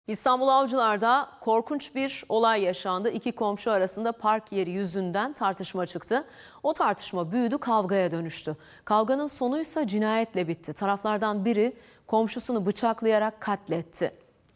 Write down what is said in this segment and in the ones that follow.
İstanbul Avcılar'da korkunç bir olay yaşandı. İki komşu arasında park yeri yüzünden tartışma çıktı. O tartışma büyüdü, kavgaya dönüştü. Kavganın sonuysa cinayetle bitti. Taraflardan biri komşusunu bıçaklayarak katletti.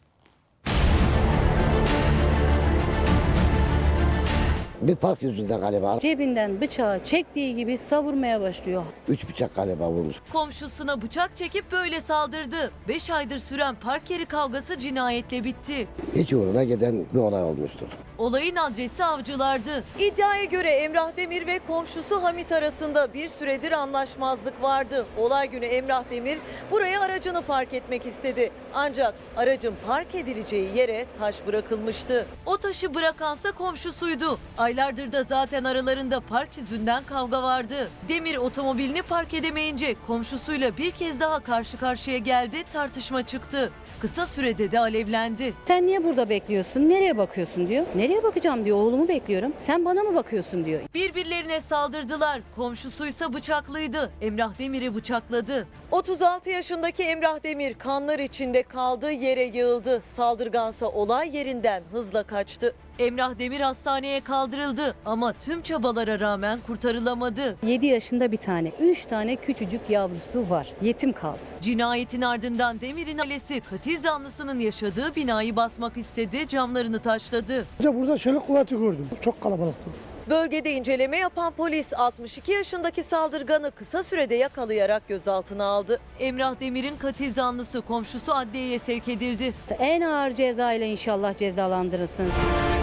Bir park yüzünden galiba. Cebinden bıçağı çektiği gibi savurmaya başlıyor. 3 bıçak galiba vurmuş. Komşusuna bıçak çekip böyle saldırdı. 5 aydır süren park yeri kavgası cinayetle bitti. Hiç uğruna giden bir olay olmuştur. Olayın adresi Avcılar'dı. İddiaya göre Emrah Demir ve komşusu Hamit arasında bir süredir anlaşmazlık vardı. Olay günü Emrah Demir buraya aracını park etmek istedi. Ancak aracın park edileceği yere taş bırakılmıştı. O taşı bırakansa komşusuydu. Aylardır da zaten aralarında park yüzünden kavga vardı. Demir otomobilini park edemeyince komşusuyla bir kez daha karşı karşıya geldi, tartışma çıktı. Kısa sürede de alevlendi. Sen niye burada bekliyorsun? Nereye bakıyorsun diyor. Nereye bakacağım diyor. Oğlumu bekliyorum. Sen bana mı bakıyorsun diyor. Birbirlerine saldırdılar. Komşusuysa bıçaklıydı. Emrah Demir'i bıçakladı. 36 yaşındaki Emrah Demir kanlar içinde kaldı, yere yığıldı. Saldırgansa olay yerinden hızla kaçtı. Emrah Demir hastaneye kaldırıldı ama tüm çabalara rağmen kurtarılamadı. 7 yaşında bir tane, 3 tane küçücük yavrusu var. Yetim kaldı. Cinayetin ardından Demir'in ailesi katil zanlısının yaşadığı binayı basmak istedi, camlarını taşladı. Burada çelik kuvveti gördüm. Çok kalabalıktı. Bölgede inceleme yapan polis 62 yaşındaki saldırganı kısa sürede yakalayarak gözaltına aldı. Emrah Demir'in katil zanlısı komşusu adliyeye sevk edildi. En ağır ceza ile inşallah cezalandırılsın.